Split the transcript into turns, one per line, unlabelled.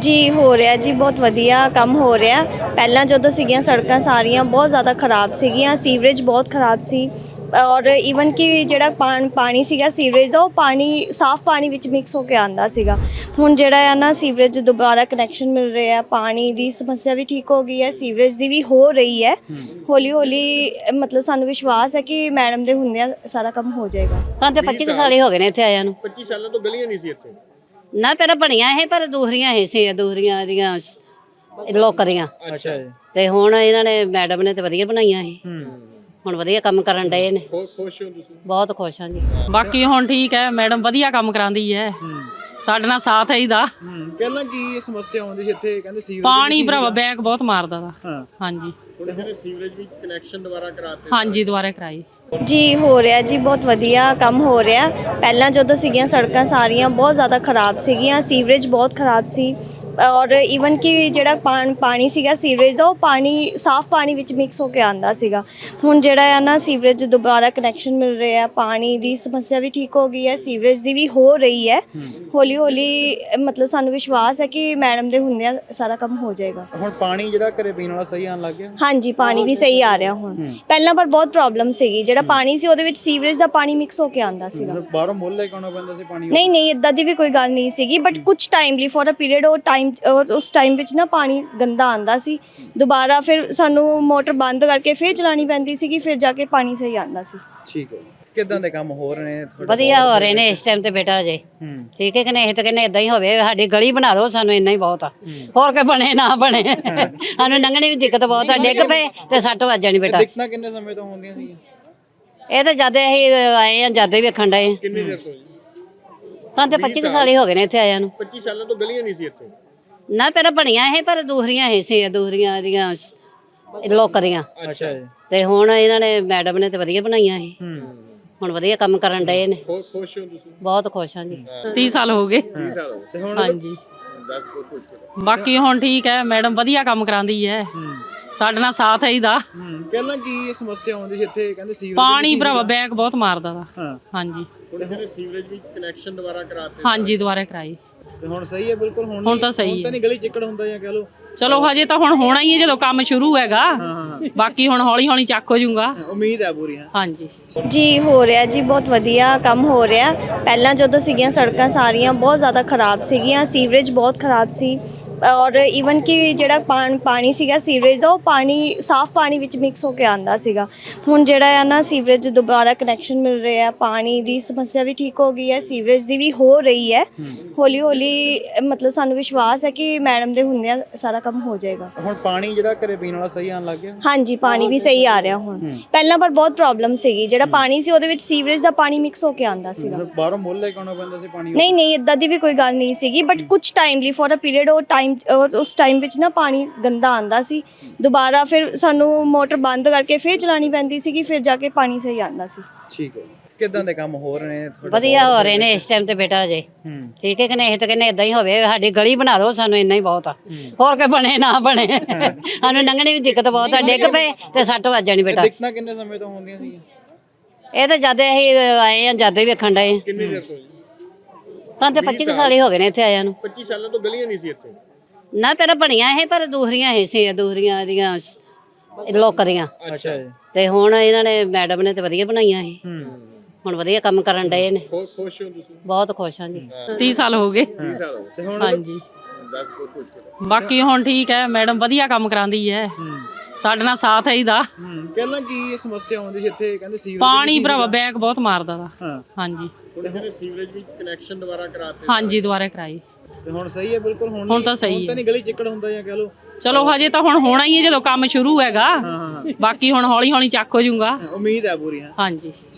ਜੀ ਹੋ ਰਿਹਾ ਜੀ, ਬਹੁਤ ਵਧੀਆ ਕੰਮ ਹੋ ਰਿਹਾ। ਪਹਿਲਾਂ ਜਦੋਂ ਸੀਗੀਆਂ ਸੜਕਾਂ ਸਾਰੀਆਂ ਬਹੁਤ ਜ਼ਿਆਦਾ ਖਰਾਬ ਸੀਗੀਆਂ, ਸੀਵਰੇਜ ਬਹੁਤ ਖਰਾਬ ਸੀ ਔਰ ਈਵਨ ਕਿ ਜਿਹੜਾ ਪਾਣੀ ਸੀਗਾ ਸੀਵਰੇਜ ਦਾ, ਉਹ ਪਾਣੀ ਸਾਫ਼ ਪਾਣੀ ਵਿੱਚ ਮਿਕਸ ਹੋ ਕੇ ਆਉਂਦਾ ਸੀਗਾ। ਹੁਣ ਜਿਹੜਾ ਆ ਨਾ ਸੀਵਰੇਜ ਦੁਬਾਰਾ ਕਨੈਕਸ਼ਨ ਮਿਲ ਰਿਹਾ, ਪਾਣੀ ਦੀ ਸਮੱਸਿਆ ਵੀ ਠੀਕ ਹੋ ਗਈ ਹੈ, ਸੀਵਰੇਜ ਦੀ ਵੀ ਹੋ ਰਹੀ ਹੈ ਹੌਲੀ ਹੌਲੀ। ਮਤਲਬ ਸਾਨੂੰ ਵਿਸ਼ਵਾਸ ਹੈ ਕਿ ਮੈਡਮ ਦੇ ਹੁੰਦਿਆਂ ਸਾਰਾ ਕੰਮ ਹੋ ਜਾਏਗਾ।
ਸਾਨੂੰ ਤੇ 25 ਸਾਲ ਹੀ ਹੋ ਗਏ ਨੇ ਇੱਥੇ ਆਇਆਂ ਨੂੰ।
25 ਸਾਲਾਂ ਤੋਂ ਗਲੀਆਂ ਨਹੀਂ ਸੀ ਇੱਥੇ।
ਨਾ ਪਹਿਲਾਂ ਬਣੀਆਂ ਇਹ, ਪਰ ਦੂਸਰੀਆਂ ਇਹ ਸੀ, ਦੂਸਰੀਆਂ ਦੀਆਂ ਲੋਕ ਦੀਆਂ।
ਅੱਛਾ ਜੀ।
ਤੇ ਹੁਣ ਇਹਨਾਂ ਨੇ ਮੈਡਮ ਨੇ ਤੇ ਵਧੀਆ ਬਣਾਈਆਂ ਇਹ। ਹੁਣ ਵਧੀਆ ਕੰਮ ਕਰਨ ਡਏ ਨੇ।
ਖੁਸ਼ ਹੋ ਤੁਸੀਂ?
ਬਹੁਤ ਖੁਸ਼ ਹਾਂ ਜੀ।
ਬਾਕੀ ਹੁਣ ਠੀਕ ਹੈ, ਮੈਡਮ ਵਧੀਆ ਕੰਮ ਕਰਾਉਂਦੀ ਹੈ, ਸਾਡੇ ਨਾਲ ਸਾਥ ਹੈ ਇਹਦਾ।
ਪਹਿਲਾਂ ਕੀ ਸਮੱਸਿਆ ਆਉਂਦੀ ਸੀ ਇੱਥੇ? ਕਹਿੰਦੇ ਸੀਵਰੇਜ
ਪਾਣੀ ਭਰਾਵਾ ਬੈਕ ਬਹੁਤ ਮਾਰਦਾ ਦਾ। ਹਾਂਜੀ
ਹੁਣ ਸੀਵਰੇਜ ਵੀ ਕਨੈਕਸ਼ਨ ਦੁਬਾਰਾ ਕਰਾਤੇ।
ਹਾਂਜੀ ਦੁਬਾਰਾ ਕਰਾਈ।
ਜੀ ਹੋ ਰਿਹਾ ਜੀ, ਬਹੁਤ ਵਧੀਆ ਕੰਮ ਹੋ ਰਿਹਾ। ਪਹਿਲਾਂ ਜਦੋਂ ਸੀਗੀਆਂ ਸੜਕਾਂ ਸਾਰੀਆਂ ਬਹੁਤ ਜ਼ਿਆਦਾ ਖਰਾਬ ਸੀਗੀਆਂ, ਸੀਵਰੇਜ ਬਹੁਤ ਖਰਾਬ ਸੀ ਔਰ ਈਵਨ ਕਿ ਜਿਹੜਾ ਪਾਣੀ ਸੀਗਾ ਸੀਵਰੇਜ ਦਾ, ਉਹ ਪਾਣੀ ਸਾਫ਼ ਪਾਣੀ ਵਿੱਚ ਮਿਕਸ ਹੋ ਕੇ ਆਉਂਦਾ ਸੀਗਾ। ਹੁਣ ਜਿਹੜਾ ਆ ਨਾ ਸੀਵਰੇਜ ਦੁਬਾਰਾ ਕਨੈਕਸ਼ਨ ਮਿਲ ਰਿਹਾ, ਪਾਣੀ ਦੀ ਸਮੱਸਿਆ ਵੀ ਠੀਕ ਹੋ ਗਈ ਹੈ, ਸੀਵਰੇਜ ਦੀ ਵੀ ਹੋ ਰਹੀ ਹੈ ਹੌਲੀ ਹੌਲੀ। ਮਤਲਬ ਸਾਨੂੰ ਵਿਸ਼ਵਾਸ ਹੈ ਕਿ ਮੈਡਮ ਦੇ ਹੁੰਦਿਆਂ ਸਾਰਾ ਕੰਮ ਹੋ ਜਾਏਗਾ।
ਹੁਣ ਪਾਣੀ ਜਿਹੜਾ ਘਰੇ ਪੀਣ ਵਾਲਾ ਸਹੀ ਆਉਣ ਲੱਗ ਗਿਆ?
ਹਾਂਜੀ, ਪਾਣੀ ਵੀ ਸਹੀ ਆ ਰਿਹਾ ਹੁਣ। ਪਹਿਲਾਂ ਪਰ ਬਹੁਤ ਪ੍ਰੋਬਲਮ ਸੀਗੀ, ਜਿਹੜਾ ਪਾਣੀ ਸੀ ਉਹਦੇ ਵਿੱਚ ਸੀਵਰੇਜ ਦਾ ਪਾਣੀ ਮਿਕਸ ਹੋ ਕੇ ਆਉਂਦਾ ਸੀਗਾ।
ਬਾਹਰੋਂ ਮੁੱਲ ਲੈ ਕੇ ਆਉਣਾ ਪੈਂਦਾ ਸੀ ਪਾਣੀ?
ਨਹੀਂ ਇਦਾਂ ਦੀ ਵੀ ਕੋਈ ਗੱਲ ਨਹੀਂ ਸੀਗੀ, ਬਟ ਕੁਝ ਟਾਈਮਲੀ ਫॉर ਅ ਪੀਰੀਅਡ ਉਸ ਟਾਈਮ ਵਿੱਚ ਨਾ ਪਾਣੀ ਗੰਦਾ ਆਂਦਾ ਸੀ। ਦੁਬਾਰਾ ਫਿਰ ਸਾਨੂੰ ਮੋਟਰ ਬੰਦ ਕਰਕੇ ਫਿਰ ਚਲਾਣੀ ਪੈਂਦੀ ਸੀਗੀ, ਫਿਰ ਜਾ ਕੇ ਪਾਣੀ ਸਹੀ ਆਂਦਾ ਸੀ।
ਠੀਕ ਹੈ। ਕਿੱਦਾਂ ਦੇ ਕੰਮ ਹੋ ਰਹੇ ਨੇ ਤੁਹਾਡੇ?
ਵਧੀਆ ਹੋ ਰਹੇ ਨੇ ਇਸ ਟਾਈਮ ਤੇ ਬੇਟਾ ਅਜੇ। ਠੀਕ ਹੈ ਕਿ ਨਹੀਂ? ਇਹ ਤਾਂ ਕਹਿੰਦੇ ਇਦਾਂ ਹੀ ਹੋਵੇ, ਸਾਡੀ ਗਲੀ ਬਣਾ ਦਿਓ, ਸਾਨੂੰ ਇੰਨਾ ਹੀ ਬਹੁਤ ਆ। ਹੋਰ ਕੋਈ ਬਣੇ ਨਾ ਬਣੇ, ਸਾਨੂੰ ਲੰਘਣੇ ਵੀ ਦਿੱਕਤ ਬਹੁਤ ਆ। ਡਿੱਗ ਪਏ ਤੇ 60 ਵੱਜ ਜਾਣੀ ਬੇਟਾ।
ਦਿੱਕਤਾਂ ਕਿੰਨੇ ਸਮੇਂ ਤੋਂ ਹੁੰਦੀਆਂ ਸੀਗੀਆਂ?
ਇਹ ਤਾਂ ਜਦ ਅਸੀਂ ਆਏ ਆ, ਜਦ ਹੀ ਵੇਖਣ ਡਏ।
ਕਿੰਨੀ ਦੇਰ ਤੋਂ ਜੀ?
ਸਾਨੂੰ ਤੇ 25 ਸਾਲ ਹੀ ਹੋ ਗਏ ਨੇ ਇੱਥੇ ਆਇਆਂ ਨੂੰ।
25 ਸਾਲਾਂ ਤੋਂ ਗਲੀਆਂ ਨਹੀਂ ਸੀ ਇੱਥੇ।
ਨਾ ਪਹਿਲਾਂ ਬਣੀਆਂ ਇਹ, ਪਰ ਦੂਸਰੀਆਂ ਇਹ ਸੀ, ਦੂਸਰੀਆਂ ਦੀਆਂ ਲੋਕ ਦੀਆਂ।
ਅੱਛਾ ਜੀ।
ਤੇ ਹੁਣ ਇਹਨਾਂ ਨੇ ਮੈਡਮ ਨੇ ਤੇ ਵਧੀਆ ਬਣਾਈਆਂ ਇਹ। ਹੁਣ ਵਧੀਆ ਕੰਮ ਕਰਨ ਡਏ ਨੇ।
ਖੁਸ਼ ਹੋ ਤੁਸੀਂ?
ਬਹੁਤ ਖੁਸ਼ ਹਾਂ ਜੀ।
30 ਸਾਲ ਹੋ ਗਏ।
30 ਸਾਲ ਹੋ ਗਏ। ਹੁਣ
ਹਾਂਜੀ
ਦੱਸ ਦੋ ਕੁਝ।
ਬਾਕੀ ਹੁਣ ਠੀਕ ਹੈ, ਮੈਡਮ ਵਧੀਆ ਕੰਮ ਕਰਾਉਂਦੀ ਹੈ, ਸਾਡੇ ਨਾਲ ਸਾਥ ਹੈ ਇਹਦਾ।
ਪਹਿਲਾਂ ਕੀ ਸਮੱਸਿਆ ਆਉਂਦੀ ਸੀ ਇੱਥੇ? ਕਹਿੰਦੇ ਸੀਵਰੇਜ
ਪਾਣੀ ਭਰਾਵਾ ਬੈਕ ਬਹੁਤ ਮਾਰਦਾ ਦਾ। ਹਾਂਜੀ
ਹੁਣ ਸੀਵਰੇਜ ਵੀ ਕਨੈਕਸ਼ਨ ਦੁਬਾਰਾ ਕਰਾਤੇ।
ਹਾਂਜੀ ਦੁਬਾਰਾ ਕਰਾਈ।
ਤੇ ਹੁਣ ਸਹੀ ਹੈ ਬਿਲਕੁਲ?
ਹੁਣ ਤਾਂ ਸਹੀ
ਤਾਂ
ਹੈ।
ਨਹੀਂ ਗਲੀ ਚਿੱਕੜ ਹੁੰਦਾ ਜਾਂ ਕਹ ਲੋ?
ਚਲੋ ਹਜੇ ਤਾਂ ਹੁਣ ਹੋਣਾ ਹੀ ਹੈ ਜਦੋਂ ਕੰਮ ਸ਼ੁਰੂ ਹੈਗਾ। ਬਾਕੀ ਹੁਣ ਹੌਲੀ ਹੌਲੀ ਚੱਕ ਹੋ ਜਾਊਗਾ।
ਉਮੀਦ ਹੈ ਪੂਰੀ।
ਹਾਂਜੀ
ਜੀ ਹੋ ਰਿਹਾ ਜੀ, ਬਹੁਤ ਵਧੀਆ ਕੰਮ ਹੋ ਰਿਹਾ। ਪਹਿਲਾਂ ਜਦੋਂ ਸੀਗੀਆਂ ਸੜਕਾਂ ਸਾਰੀਆਂ ਬਹੁਤ ਜ਼ਿਆਦਾ ਖਰਾਬ ਸੀਗੀਆਂ, ਸੀਵਰੇਜ ਬਹੁਤ ਖਰਾਬ ਸੀ ਔਰ ਈਵਨ ਕਿ ਜਿਹੜਾ ਪਾਣੀ ਸੀਗਾ ਸੀਵਰੇਜ ਦਾ, ਉਹ ਪਾਣੀ ਸਾਫ਼ ਪਾਣੀ ਵਿੱਚ ਮਿਕਸ ਹੋ ਕੇ ਆਉਂਦਾ ਸੀਗਾ। ਹੁਣ ਜਿਹੜਾ ਆ ਨਾ ਸੀਵਰੇਜ ਦੁਬਾਰਾ ਕਨੈਕਸ਼ਨ ਮਿਲ ਰਿਹਾ, ਪਾਣੀ ਦੀ ਸਮੱਸਿਆ ਵੀ ਠੀਕ ਹੋ ਗਈ ਹੈ, ਸੀਵਰੇਜ ਦੀ ਵੀ ਹੋ ਰਹੀ ਹੈ ਹੌਲੀ ਹੌਲੀ। ਮਤਲਬ ਸਾਨੂੰ ਵਿਸ਼ਵਾਸ ਹੈ ਕਿ ਮੈਡਮ ਦੇ ਹੁੰਦਿਆਂ ਸਾਰਾ ਕੰਮ ਹੋ ਜਾਏਗਾ।
ਹੁਣ ਪਾਣੀ ਜਿਹੜਾ ਘਰੇ ਪੀਣ ਵਾਲਾ ਸਹੀ ਆਉਣ ਲੱਗ ਗਿਆ?
ਹਾਂਜੀ, ਪਾਣੀ ਵੀ ਸਹੀ ਆ ਰਿਹਾ ਹੁਣ। ਪਹਿਲਾਂ ਪਰ ਬਹੁਤ ਪ੍ਰੋਬਲਮ ਸੀਗੀ, ਜਿਹੜਾ ਪਾਣੀ ਸੀ ਉਹਦੇ ਵਿੱਚ ਸੀਵਰੇਜ ਦਾ ਪਾਣੀ ਮਿਕਸ ਹੋ ਕੇ ਆਉਂਦਾ ਸੀਗਾ।
ਬਾਹਰੋਂ ਮੁੱਲ ਲੈ ਕੇ ਆਉਣਾ ਪੈਂਦਾ ਸੀ ਪਾਣੀ?
ਨਹੀਂ ਇਦਾਂ ਦੀ ਵੀ ਕੋਈ ਗੱਲ ਨਹੀਂ ਸੀਗੀ, ਬਟ ਕੁਝ ਟਾਈਮਲੀ ਫॉर ਅ ਪੀਰੀਅਡ ਉਸ ਟਾਈਮ ਵਿੱਚ ਨਾ ਪਾਣੀ ਗੰਦਾ ਆਂਦਾ ਸੀ। ਦੁਬਾਰਾ ਫਿਰ ਸਾਨੂੰ ਮੋਟਰ ਬੰਦ ਕਰਕੇ ਫਿਰ ਚਲਾਣੀ ਪੈਂਦੀ ਸੀਗੀ, ਫਿਰ ਜਾ ਕੇ ਪਾਣੀ ਸਹੀ ਆਂਦਾ ਸੀ।
ਠੀਕ ਹੈ। ਕਿੱਦਾਂ ਦੇ ਕੰਮ ਹੋ ਰਹੇ ਨੇ ਤੁਹਾਡੇ?
ਵਧੀਆ ਹੋ ਰਹੇ ਨੇ ਇਸ ਟਾਈਮ ਤੇ ਬੇਟਾ ਅਜੇ। ਠੀਕ ਹੈ ਕਿ ਨਹੀਂ? ਇਹ ਤਾਂ ਕਹਿੰਦੇ ਇਦਾਂ ਹੀ ਹੋਵੇ, ਸਾਡੀ ਗਲੀ ਬਣਾ ਦਿਓ, ਸਾਨੂੰ ਇੰਨਾ ਹੀ ਬਹੁਤ ਆ। ਹੋਰ ਕੋਈ ਬਣੇ ਨਾ ਬਣੇ, ਸਾਨੂੰ ਲੰਘਣੇ ਵੀ ਦਿੱਕਤ ਬਹੁਤ ਆ। ਡਿੱਗ ਪਏ ਤੇ 60 ਵੱਜ ਜਾਣੀ ਬੇਟਾ।
ਦਿੱਕਤਾਂ ਕਿੰਨੇ ਸਮੇਂ ਤੋਂ ਹੁੰਦੀਆਂ ਸੀਗੀਆਂ?
ਇਹ ਤਾਂ ਜਦ ਅਸੀਂ ਆਏ ਆ, ਜਦ ਹੀ ਵੇਖਣ ਡਏ।
ਕਿੰਨੀ ਦੇਰ ਤੋਂ ਜੀ?
ਸਾਨੂੰ ਤੇ 25 ਸਾਲ ਹੀ ਹੋ ਗਏ ਨੇ ਇੱਥੇ ਆਇਆਂ ਨੂੰ।
25 ਸਾਲਾਂ ਤੋਂ ਗਲੀਆਂ ਨਹੀਂ ਸੀ ਇੱਥੇ।
ਨਾ ਪਹਿਲਾਂ ਬਣੀਆਂ ਇਹ, ਪਰ ਦੂਸਰੀਆਂ ਇਹ ਸੀ, ਦੂਸਰੀਆਂ ਦੀਆਂ ਲੋਕ ਦੀਆਂ।
ਅੱਛਾ ਜੀ।
ਤੇ ਹੁਣ ਇਹਨਾਂ ਨੇ ਮੈਡਮ ਨੇ ਤੇ ਵਧੀਆ ਬਣਾਈਆਂ ਇਹ। ਹੁਣ ਵਧੀਆ ਕੰਮ ਕਰਨ ਡਏ ਨੇ।
ਖੁਸ਼ ਹੋ ਤੁਸੀਂ?
ਬਹੁਤ ਖੁਸ਼ ਹਾਂ ਜੀ।
30 ਸਾਲ ਹੋ ਗਏ।
30 ਸਾਲ ਹੋ ਗਏ। ਹੁਣ
ਹਾਂਜੀ
ਦੱਸ ਦੋ ਕੁਝ।
ਬਾਕੀ ਹੁਣ ਠੀਕ ਹੈ, ਮੈਡਮ ਵਧੀਆ ਕੰਮ ਕਰਾਉਂਦੀ ਹੈ, ਸਾਡੇ ਨਾਲ ਸਾਥ ਹੈ ਇਹਦਾ।
ਪਹਿਲਾਂ ਕੀ ਸਮੱਸਿਆ ਆਉਂਦੀ ਸੀ ਇੱਥੇ? ਕਹਿੰਦੇ ਸੀਵਰੇਜ
ਪਾਣੀ ਭਰਾਵਾ ਬੈਕ ਬਹੁਤ ਮਾਰਦਾ ਦਾ। ਹਾਂਜੀ
ਹੁਣ ਸੀਵਰੇਜ ਵੀ ਕਨੈਕਸ਼ਨ ਦੁਬਾਰਾ ਕਰਾਤੇ।
ਹਾਂਜੀ ਦੁਬਾਰਾ ਕਰਾਈ।
ਤੇ ਹੁਣ ਸਹੀ ਹੈ ਬਿਲਕੁਲ?
ਹੁਣ ਤਾਂ ਸਹੀ ਹੈ।
ਤਾਂ ਨਹੀਂ ਗਲੀ ਚਿੱਕੜ ਹੁੰਦਾ ਜਾਂ ਕਹ ਲੋ?
ਚਲੋ ਹਜੇ ਤਾਂ ਹੁਣ ਹੋਣਾ ਹੀ ਹੈ ਜਦੋਂ ਕੰਮ ਸ਼ੁਰੂ ਹੈਗਾ। ਬਾਕੀ ਹੁਣ ਹੌਲੀ ਹੌਲੀ ਚੱਕ ਹੋ ਜਾਊਗਾ।
ਉਮੀਦ ਹੈ ਪੂਰੀ।
ਹਾਂਜੀ।